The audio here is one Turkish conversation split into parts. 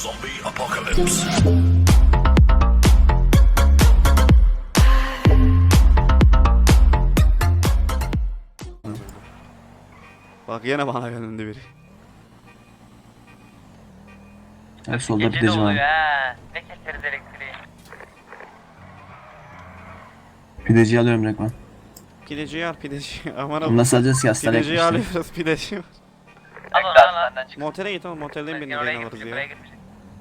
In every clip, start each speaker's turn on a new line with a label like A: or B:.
A: Zombie apocalypse.
B: Bak yine bana yönündü biri.
C: Hep solda
D: Gece de
C: pideci
D: oluyor
C: var.
D: ha. Ne keseriz elektriği.
C: Pideciyi alıyorum Rekman.
B: Pideci al pideci. Aman abi.
C: Nasıl alacağız ki hastaneye
B: Pideciyi
C: yaklaştık.
B: alıyoruz pideci.
D: Al onu al.
B: Motele git oğlum motelden beni
D: Oraya
B: yayın alırız
D: gitmişim, buraya
B: ya.
D: gitmişim.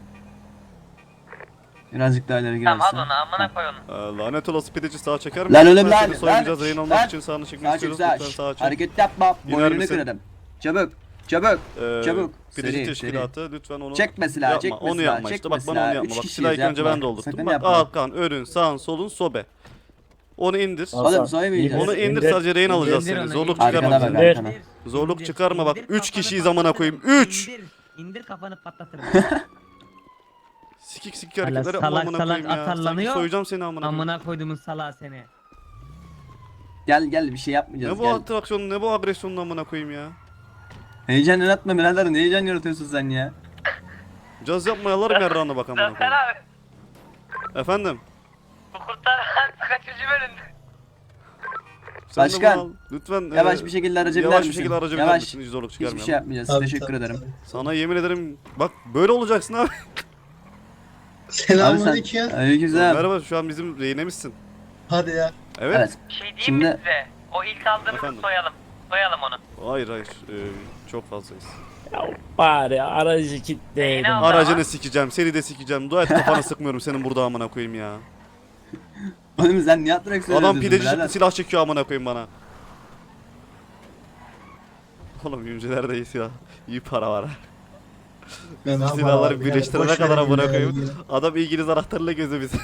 C: Birazcık daha ileri
D: Tamam
C: girersin.
D: al onu amına koy onu.
B: Lanet olası pideci sağa çeker misin?
C: Lan oğlum
B: Lütfen
C: lan,
B: seni soymayacağız
C: lan,
B: yayın olmak
C: lan.
B: için sağını çekmek
C: Sağa
B: istiyoruz.
C: çık
B: Lütfen sağa çek.
C: Hareket yapma.
B: İner
C: Boynunu
B: misin?
C: kırarım. Çabuk. Çabuk. Çabuk.
B: Pideci
C: Seri,
B: teşkilatı lütfen onu
C: Çekme silahı,
B: yapma.
C: çekme
B: Onu
C: silahı,
B: yapma işte
C: çekme
B: bak bana onu
C: silahı.
B: yapma.
C: Üç
B: Bak
C: kişiyiz,
B: silahı ilk önce
C: yapma.
B: ben doldurttum.
C: Sakın
B: Bak
C: yapma.
B: Hakan, Örün, sağın, solun, sobe. Onu indir.
C: Oğlum soymayacağız.
B: Onu indir sadece rehin alacağız
D: İndir
B: seni.
D: onu,
B: Zorluk
D: indir.
B: çıkarma
C: Arkana bak
B: bize.
C: arkana.
B: Zorluk çıkarma bak.
D: İndir
B: 3
D: kafanı
B: kişiyiz amına koyayım. 3.
D: İndir kafanı patlatırım.
B: Sikik sikik
D: Hala
B: hareketler yapma
D: salak
B: amına
D: salak
B: koyayım ya. Sanki
D: atarlanıyor.
B: soyacağım seni amına koyayım.
D: Amına koyduğumun salağı seni.
C: Gel gel bir şey yapmayacağız
B: Ne bu
C: gel.
B: atraksiyonun ne bu agresyonun amına koyayım ya.
C: Heyecan yaratma birader, ne heyecan yaratıyorsun sen ya?
B: Caz yapma yalarım yarrağına bak amına
D: Sen
B: koyayım.
D: abi.
B: Efendim.
D: Bu kurtar kaçıncı bölümdü?
B: Sen de
C: Başkan,
B: bunu al. Lütfen
C: Yavaş bir şekilde araca biner
B: yavaş
C: misin?
B: bir şekilde araca biner
C: Yavaş.
B: misin? Hiç zorluk
C: Hiçbir
B: çıkarmayalım.
C: şey yapmayacağız. Teşekkür ederim.
B: Sana yemin ederim bak böyle olacaksın abi.
C: Abi
E: Selamünaleyküm
C: sen...
E: ya.
C: Aleykümselam.
B: Merhaba şu an bizim rehinemizsin.
E: Hadi ya.
B: Evet.
C: Evet.
D: Bir şey diyeyim
C: Şimdi-
D: mi size? O ilk aldığımızı
B: Efendim?
D: soyalım. Soyalım onu.
B: Hayır hayır. Çok fazlayız.
F: Bari aracı kilitleyelim.
D: Neyini al?
B: Aracını sikeceğim, seni de sikeceğim. Dua et kafana sıkmıyorum senin burada amına koyayım ya.
C: Oğlum sen niye atraksiyon
B: Adam
C: yapıyorsun
B: pideci
C: birader?
B: silah çekiyor amına koyayım bana. Oğlum yüzcelerde iyi silah. İyi para var.
E: Ben
B: Bu silahları birleştirene kadar amına koyayım. Adam İngiliz anahtarıyla gözü bizi.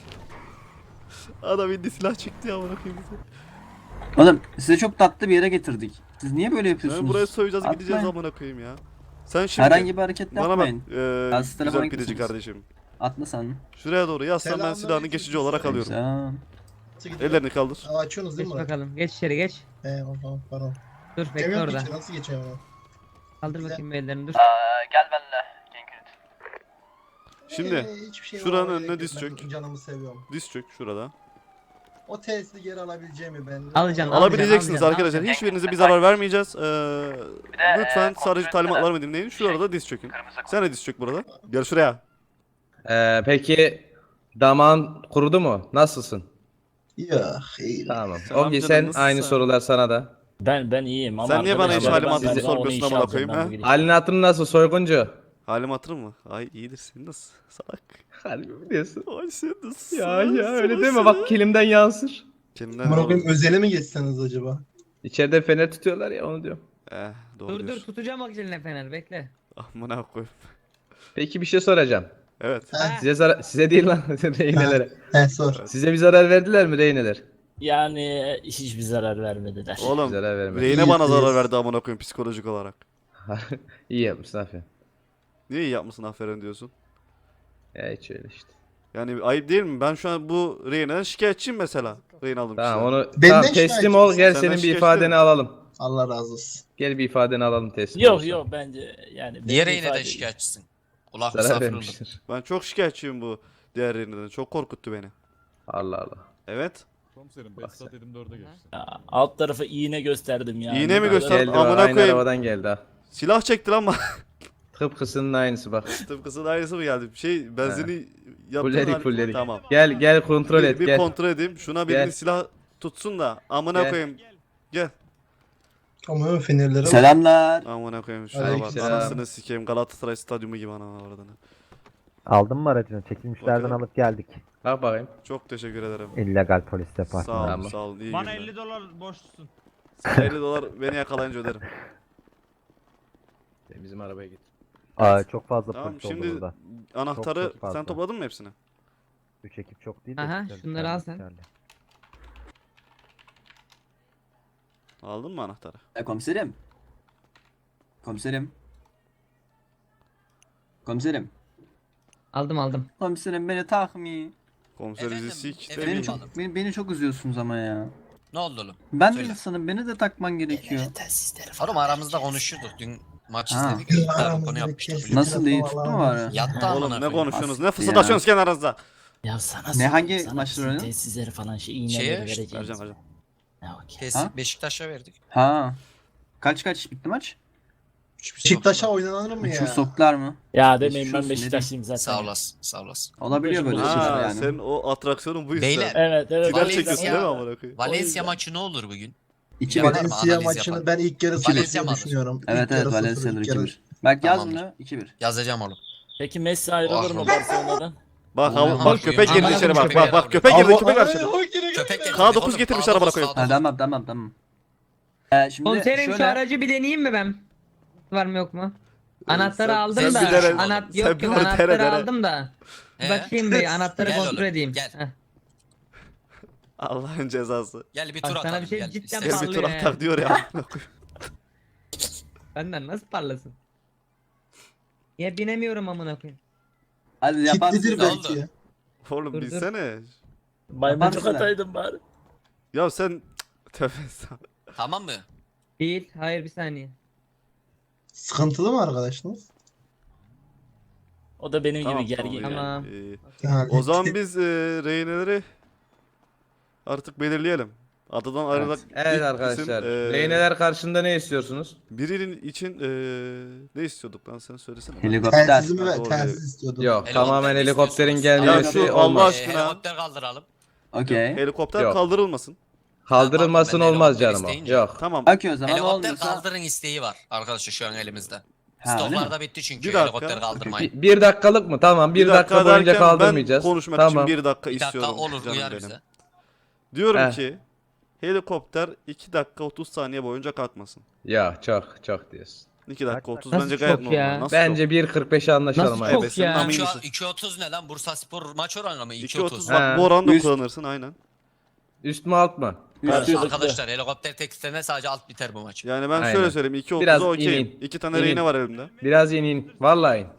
B: Adam indi silah çekti ya amına koyayım bize.
C: Oğlum size çok tatlı bir yere getirdik. Siz niye böyle yapıyorsunuz?
B: Yani buraya soyacağız
C: Atmayın.
B: gideceğiz amına koyayım ya. Sen şimdi
C: Herhangi bir hareket
B: bana bak
C: yapmayın. Az telefona
B: güzel pideci
C: gitmişsiniz.
B: kardeşim.
C: Atla sen.
B: Şuraya doğru yazsan ben
E: Selamünaleyküm.
B: silahını geçici olarak alıyorum.
C: Güzel.
B: Ellerini kaldır.
E: Açıyorsunuz değil
D: Geç
E: mi?
D: bakalım. Geç içeri geç.
E: Tamam pardon.
D: Dur bekle
E: Geçemiyorum
D: orada.
E: ki, nasıl geçeceğim ama?
D: Kaldır bakayım ellerini dur. Gel benimle.
B: Şimdi
E: Hiçbir şey
B: şuranın
E: olmaya
B: önüne
E: gerek
B: diz
E: yok. Ben
B: çök.
E: Canımı seviyorum.
B: diz çök şurada.
E: O tesisi geri alabileceğimi ben.
D: Alacaksın,
B: Alabileceksiniz
D: alacaksın,
B: arkadaşlar.
D: alacaksın.
B: Hiçbirinize bir zarar vermeyeceğiz. Lütfen sadece
D: kontrol
B: talimatlarımı dinleyin. Şurada diz çökün. Sen de diz çök burada. Gel şuraya.
G: Peki damağın kurudu mu? Nasılsın?
E: Ya iyi.
G: Tamam.
B: Sen
G: Ogi
B: amcanın
G: sen
B: nasılsın?
G: aynı sorular sana da.
F: Ben iyiyim ama
B: Sen niye bana hiç
F: arkadaşlar,
B: halim
F: ben
B: hatırımı
F: size onu
B: sormuyorsun
F: işe
B: amına
F: alacağım,
B: koyayım,
F: ben
B: ha?
F: bu gidişe.
G: Halin hatırın nasıl soyguncu?
B: Halim hatırım mı? Ay iyidir senin nasıl? Salak.
G: Harbi mi diyorsun?
B: Ay sen nasıl?
G: Ya öyle deme bak kilimden yansır.
B: Kendimden
E: Amına koyayım, özele mi geçseniz acaba?
G: İçeride fener tutuyorlar ya onu diyorum.
B: Doğru
D: Dur dur
B: diyorsun.
D: tutacağım bak eline fener bekle.
B: Amına koyayım.
G: Peki bir şey soracağım.
B: Evet.
G: Size değil lan rehinelere.
E: Sor.
G: Size bir zarar verdiler mi rehineler?
F: Yani hiçbir zarar vermediler.
B: Oğlum
G: Zarar vermedi.
B: rehine bana zarar
E: İyiyiz.
B: verdi amına koyayım psikolojik olarak.
G: İyi yapmışsın aferin.
B: Niye iyi yapmışsın aferin diyorsun?
G: Ya hiç öyle işte.
B: Yani ayıp değil mi? Ben şu an bu rehineden şikayetçiyim mesela. Rehin aldım.
G: Tamam onu
E: Benden
G: tamam,
E: şikayetçi
G: teslim ol
E: misin?
G: gel
B: Senden
G: senin bir
B: şikayetçi
G: ifadeni
B: değilim.
G: alalım.
E: Allah razı olsun.
G: Gel bir ifadeni alalım teslim
F: Yok
G: olsun.
F: yok bence yani.
A: Diğer
F: benim
A: yine de
F: ifade-
A: şikayetçisin. Kulak
G: Zarar
A: misafir oldum.
G: vermiştir.
B: Ben çok şikayetçiyim bu diğer rehineden. Çok korkuttu beni.
G: Allah Allah.
B: Evet.
H: Komiserim Behzat dedim 4'e geçti.
F: Ya, alt tarafı iğne gösterdim ya.
B: İğne mi gösterdin?
G: Geldi
B: Amına
G: bak, aynı
B: koyayım.
G: arabadan geldi ha.
B: Silah çekti lan bana.
G: Tıpkısının aynısı bak.
B: Tıpkısının aynısı mı geldi? Bir şey benzini yaptın.
G: Fulledik fulledik.
B: Tamam.
G: Gel kontrol et
B: Bir
G: gel.
B: kontrol edeyim. Şuna birinin
G: Gel.
B: silah tutsun da amına
G: Gel.
B: koyayım. Gel.
E: Ama fenerlere bak.
C: Selamlar.
B: Amına koyayım şuna bak.
E: Aleykümselam.
B: Anasını sikeyim. Galatasaray stadyumu gibi ana oradan.
I: Aldın mı aracını? Çekilmişlerden
B: Bakalım.
I: alıp geldik.
G: Bak bakayım.
B: Çok teşekkür ederim.
I: İllegal polis
B: Sağ
I: departmanı.
B: olun,
G: Tamam.
B: sağ olun. İyi
J: Bana
B: günler.
J: 50 dolar borçlusun.
B: Sana 50 dolar beni yakalayınca öderim.
G: Bizim arabaya git.
I: Aa, çok fazla
B: Tamam
I: polis oldu
B: şimdi
I: burada.
B: anahtarı
I: Çok fazla.
B: sen topladın mı hepsini?
I: 3 ekip çok değil de.
D: Aha,
I: güzel,
D: şunları al sen.
I: yeterli.
B: Aldın mı anahtarı?
C: Komiserim. Komiserim. Komiserim.
D: Aldım.
C: Komiserim beni takmıyor.
B: Komiser bizi
A: Efendim,
B: sik.
A: efendim.
C: Beni
B: demiyor.
C: çok beni çok üzüyorsunuz ama ya.
A: Ne oldu oğlum?
C: Ben de
A: Söyle.
C: insanım, beni de takman gerekiyor.
A: Oğlum aramızda konuşuyorduk. Dün Maç
C: Ha.
A: izledik. İlk konu yapmıştık. biliyor musun?
C: Nasıl iyi tuttu mu bari?
A: Yattı amına
B: Oğlum ne
A: koyayım.
B: konuşuyorsunuz? Ne
C: Bastı
B: fısıldaşıyorsunuz kendi aranızda?
F: Ya sana
C: Ne, hangi
F: sana
C: maçları
F: bizim
C: oynadın?
F: tesisleri falan iğneleri
A: Şeye,
F: vereceğiz.
B: Vereceğim.
F: Ya, okey.
A: Kesin
C: Ha?
A: Beşiktaş'a verdik.
C: Ha. Kaç bitti maç?
E: Beşiktaş'a oynanır mı ya?
C: Üçü soktular mı?
F: Ya demeyin ben
C: Geçiyorsun,
F: Beşiktaşlıyım zaten.
A: Sağ olasın. Sağ olasın.
C: Olabiliyor böyle
F: Ha,
C: şeyler
B: Ha,
C: yani.
B: senin o atraksiyonun bu işte.
A: Beyler.
F: Evet evet.
B: Final
A: Valencia-
B: çekiyorsun değil mi amına koyayım?
A: Valencia maçı ne olur bugün?
C: 2-1.
A: Var mı?
E: Valencia
A: Analiz
E: maçını
A: yapalım.
E: ben ilk yarı
A: Valencia
E: sıfır
A: mı alır?
E: düşünüyorum.
C: Evet
E: İlk
C: evet
E: yarı
C: Valencia'dır
E: sıfır, ilk yarı.
C: 2-1. Bak yaz
A: Tamamdır.
C: bunu 2-1.
A: Yazacağım oğlum.
F: Peki Messi ayrılır mı
A: Oh.
F: Barcelona'dan?
B: Bak
A: Aman
B: bak köpek girdi
A: Allah'ım,
B: içeri bak
A: köpeğe
B: bak bak
A: ver
B: köpek
A: oğlum.
B: girdi köpek ver içeri.
A: Köpek geldi.
B: K9
A: Oğlum,
B: getirmişler
A: K9,
B: amına koyayım.
C: Ha,
A: K9.
C: tamam. Şimdi
D: Komiserim şu
C: şöyle.
D: aracı bir deneyeyim mi ben? Var mı yok mu? Anahtarı
B: sen-
D: aldım
A: sen
D: da.
A: bir dene.
D: Anahtar
B: Sen
D: yok
B: bir
D: yok
B: dene,
D: anahtarı
B: dene.
D: aldım da.
A: He?
D: Bakayım bir anahtarı
A: Gel
D: kontrol
A: oğlum,
D: edeyim.
A: gel.
D: Heh.
B: Allah'ın cezası.
A: Gel bir
D: Bak
A: tur
D: sana
A: atalım.
D: bir şey
A: gel.
D: cidden
A: İstersen-
B: Gel bir tur
D: Parlıyor
B: atak diyor ya. amına koyayım.
D: Benden nasıl parlasın? Ya binemiyorum amına koyayım.
C: Hadi yaparsın.
E: Kitlidir
A: Ne
E: belki
A: oldu?
E: ya.
B: Oğlum
D: Dur, dur.
B: bilsene.
F: Maymuncuk
C: Yaparsın.
F: ataydın bari.
B: Ya sen tövbe estağfurullah.
A: Tamam mı?
D: Değil. Hayır bir saniye.
E: Sıkıntılı mı arkadaşınız?
F: O da benim
B: Tamam,
F: gibi gergin.
B: tamam,
D: Tamam.
B: iyi.
E: Yani.
B: O zaman biz rehineleri artık belirleyelim. Adadan ayrılak
G: Evet
B: ilk
G: arkadaşlar.
B: isim,
G: Reyneler karşında ne istiyorsunuz?
B: birinin için ne istiyorduk lan sen söylesene.
C: Helikopter.
E: Telsiz mi
B: Ha,
E: ver?
B: doğru
E: Telsiz
B: diyor.
E: istiyordum.
G: Yok
A: Helikopter
G: tamamen
A: mi
G: helikopterin
A: istiyorsunuz?
G: gelmesi
B: Ya şu Allah
G: olmaz.
B: aşkına.
A: Helikopter kaldıralım.
C: Okey.
B: Helikopter
G: Yok.
B: kaldırılmasın.
G: Kaldırılmasın
A: Ben
G: olmaz
A: helikopter
G: canım o.
A: isteyince-
G: Yok.
B: Tamam.
C: Okey o zaman
A: Helikopter
C: olmuyorsa.
A: kaldırın isteği var arkadaşlar şu an elimizde.
C: Ha, öyle mi?
A: Stoklarda bitti çünkü
B: Bir dakika.
A: helikopter kaldırmayın.
G: Bir dakikalık mı? Tamam bir dakika boyunca
B: derken
G: kaldırmayacağız.
B: Ben konuşmak
G: Tamam.
B: için 1 dakika
A: Bir dakika
B: istiyorum.
A: olur
B: canım
A: uyar
B: benim.
A: bize.
B: Diyorum
G: Heh.
B: ki helikopter 2 dakika 30 saniye boyunca kalkmasın.
G: Ya çok diyorsun.
B: 2 dakika 30
D: Nasıl
B: bence gayet
D: çok
B: normal.
D: ya?
B: Nasıl
G: Bence 1.45'e anlaşalım
D: Nasıl
G: abi.
D: çok
B: Evet, senin
D: ya?
B: amin misin?
A: 2.30 ne lan? Bursa Spor maç oranı mı?
B: 2.30
A: 2.30.
B: bak bu oranda
C: Üst-
B: kullanırsın aynen.
G: Üst mü alt mı?
C: Üstü.
A: Arkadaşlar helikopter tekstilene sadece alt biter bu maç.
B: Yani ben
G: Aynen.
B: şöyle söyleyeyim
G: Biraz
B: 2.30'a okeyim.
G: inin.
B: 2 tane
G: İnin.
B: rehine var elimde.
G: Biraz inin. Vallahi in.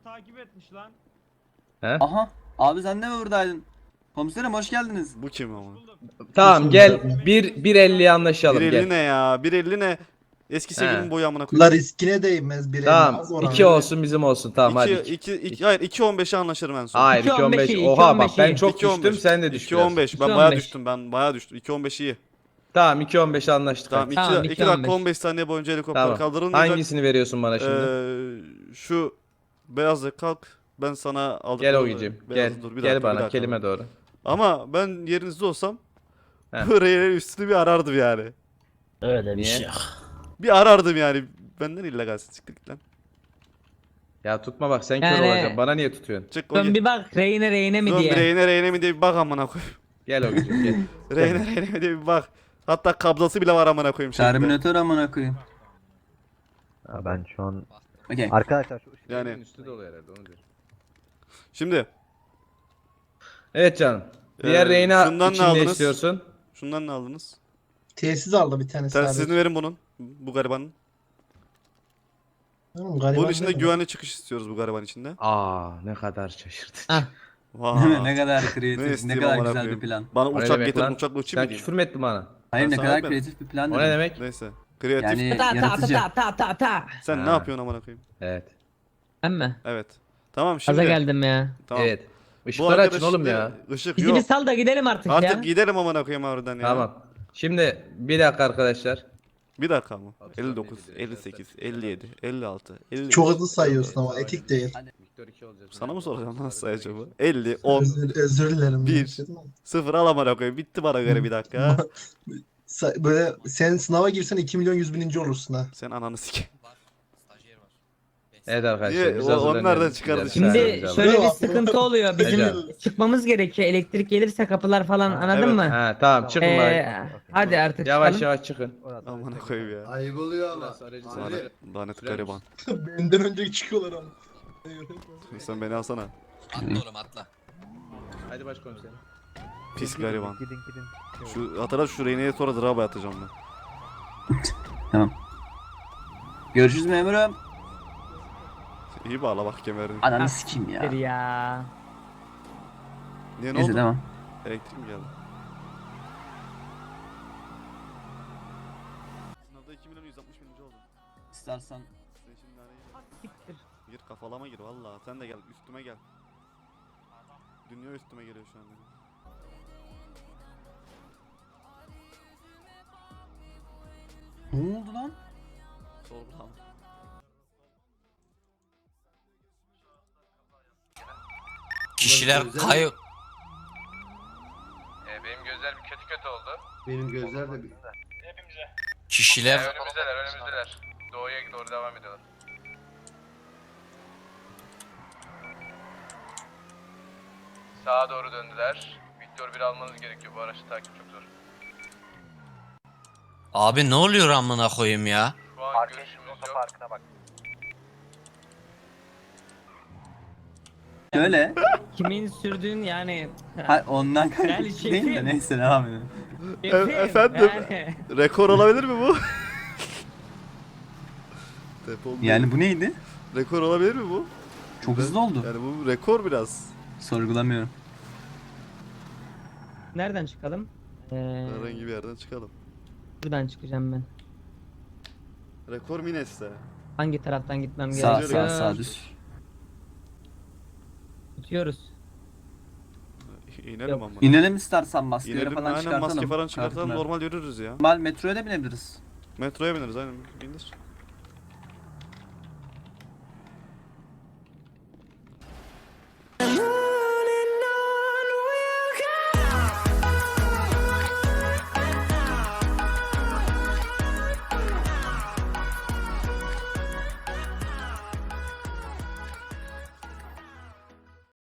G: He?
C: Aha. Abi sen de mi buradaydın? Komiserim hoş geldiniz.
B: Bu kim ama?
G: Tamam gel 1.50'ye anlaşalım
B: 1.50
G: gel.
B: ne ya? 1.50 ne? Eski sevgilimin
G: He.
B: boyu amına
E: La
B: koyayım.
E: riskine değmez bir
G: Tamam
E: az oranı.
G: 2 olsun bizim olsun tamam hadi.
B: 2 hayır 2.15'e anlaşırım en son.
G: Hayır
D: 2.15
G: 2.15.
D: iyi,
G: Oha bak
D: 2.15
G: ben
D: iyi.
G: çok
B: 2.15.
G: düştüm sen de düş biraz.
B: 2.15 ben
D: 2.15.
B: bayağı düştüm ben bayağı düştüm. 2.15 iyi.
G: Tamam 2.15'e anlaştık.
B: Tamam
G: hadi.
B: 2
D: Tamam,
B: dakika
D: 2.15.
B: 15 saniye boyunca helikopter
G: Tamam.
B: kaldırılmayacak.
G: Hangisini veriyorsun bana şimdi?
B: Şu beyazla kalk ben sana aldık.
G: Gel Ogi'cim gel. Gel bana kelime doğru.
B: Ama ben yerinizde olsam
G: He.
B: bu reylerin üstünü bir arardım yani.
F: Öyle bir
C: Niye?
F: şey yok.
B: Bir arardım yani. Benden illegalsin çık git lan.
G: Ya tutma bak sen kör
D: Yani-
G: olacaksın. Bana niye tutuyorsun?
B: Çık
D: Dön
B: Ogi.
D: bir bak reyne mi
B: Dön
D: diye.
B: bir reyne mi diye bir bak amına koy.
G: Gel Ogi'cim gel.
B: Reyne mi diye bir bak. Hatta kablosu bile var amına koyayım şimdi.
C: Terminatör amına koyayım.
I: Ha, ben şu an
C: Okey.
I: arkadaşlar şu
B: Yani
G: Üstü dolu herhalde onu diyorum.
B: şimdi
G: Evet canım. Diğer
B: Ee,
G: reyna
B: şundan ne
G: için ne
B: aldınız?
G: istiyorsun?
B: şundan ne aldınız?
E: Tesis aldı bir tane
B: Telsizini
E: sadece.
B: verin bunun. Bu garibanın.
E: Oğlum, gariban
B: Bunun içinde
E: değil mi?
B: güvenli çıkış istiyoruz bu gariban içinde.
G: Aa ne kadar şaşırtıcı.
D: Ah.
B: Vay.
C: Ne kadar
B: Ne
C: kreatif, ne
B: isteyeyim
C: kadar
B: amına
C: güzel
B: koyayım.
C: bir plan.
B: Bana
G: O ne
B: uçak
G: demek
B: getirin
G: lan?
B: uçakla uçayım
G: Sen
B: mı diyeyim?
G: küfür mü ettin bana?
C: Hayır
B: Ben
C: ne
B: sana
C: kadar
B: vermedim.
C: kreatif bir plan
G: O ne
C: dedim.
G: demek?
B: Neyse. Kreatif.
C: Yani
D: Ta ta
C: yaratıcı.
D: ta ta ta ta.
B: Sen ne
G: Ha.
B: yapıyorsun amına koyayım?
G: Evet.
D: Ben mi?
B: Evet. Tamam
D: Gaza
B: şimdi.
D: geldim ya.
B: Tamam.
G: Evet.
B: Bu
G: Işıkları açın
B: arkadaş
G: oğlum
B: şimdi
G: ya.
B: Işık
D: Bizi
B: yok.
D: bir sal da gidelim artık,
B: Artık
D: ya.
B: gidelim amına koyayım oradan ya.
G: Tamam. Şimdi bir dakika arkadaşlar.
B: Bir dakika mı?
G: Abi,
B: 59,
G: sen
B: 58, 57, 56, 55.
E: Çok hızlı sayıyorsun ama etik değil.
G: Victor 2 olacağız.
B: Sana mı soracağım nasıl sayacağım? 50, 10,
E: Özür dilerim.
B: Bir. 0 al amına koyayım. Bitti bana göre bir dakika.
E: Böyle sen sınava girsen 2 milyon 100 bininci olursun ha.
B: Sen ananı sikeyim.
A: Var. Stajyer var.
G: Evet arkadaşlar.
B: Niye?
G: biz
B: O-
G: hazırlanıyoruz.
B: onlardan çıkardı
G: Güzel
B: şimdi.
G: sahnemizi
D: Şimdi
G: alalım.
D: şöyle bir
E: Yok.
D: sıkıntı oluyor. Bizim
G: Ecem.
D: çıkmamız gerekiyor. Elektrik gelirse kapılar falan anladın
B: evet.
D: mı?
G: Ha tamam çıkın bari.
D: Hadi artık
G: Yavaş
D: çıkalım.
G: yavaş çıkın.
B: Amına koyayım ya.
E: Ayıp oluyor ama.
B: Lanet, lanet gariban.
E: Benden önce çıkıyorlar ama.
B: Sen beni alsana.
A: Atla oğlum atla.
G: Hadi başkomiserim.
B: Pis gariban.
I: gidin gidin.
B: Şu hatırla şu reyneye sonra draba atacağım ben.
C: Görüşürüz memurum.
B: İyi bağla bak kemerini.
C: Ananı sikeyim ya.
D: Ya.
B: Niye ne
C: Neyse
B: oldu?
C: tamam.
B: Elektrik mi geldi? Sınavda 2 milyon 160 bininci oldum.
C: İstersen
B: Senin
D: siktir.
B: Gir kafalama gir valla. Sen de gel üstüme gel. Dünya üstüme geliyor şu an benim.
C: Ne oldu lan?
B: Sorgulama.
A: Kişiler kayıp.
J: Benim gözler bir kötü oldu.
E: Benim gözler de bir...
A: Kişiler
J: Önümüzdeler. Doğuya doğru devam ediyorlar. Sağa doğru döndüler. Victor 1 almanız gerekiyor. Bu araçta takip çok zor.
A: abi ne oluyor amına koyayım ya?
J: Şu an görüşümüz yok.
C: Şöyle.
D: Kimin sürdüğün yani.
C: Ha, ondan
D: Yani
C: kaynaklı değil de
D: şefim.
C: neyse devam edelim.
B: efendim?
D: Yani.
B: Rekor olabilir mi bu? Depol
C: Yani bu neydi?
B: rekor olabilir mi bu?
C: Çok hızlı oldu.
B: Yani bu rekor biraz.
C: Sorgulamıyorum.
D: Nereden çıkalım?
B: Herhangi bir yerden çıkalım.
D: Buradan çıkacağım ben.
B: Rekor Mines'te.
D: Hangi taraftan gitmem
C: Sağ
D: gerekiyor?
C: sağ düz.
D: Tutuyoruz.
B: İnelim
D: Yok.
B: ama.
C: İnelim istersen maskeleri
B: İnelim
C: falan
B: aynen
C: çıkartalım.
B: maske falan çıkartalım
C: Çıkartın.
B: normal yürürüz ya.
C: Normal metroya da binebiliriz.
B: Metroya bineriz aynen bindir.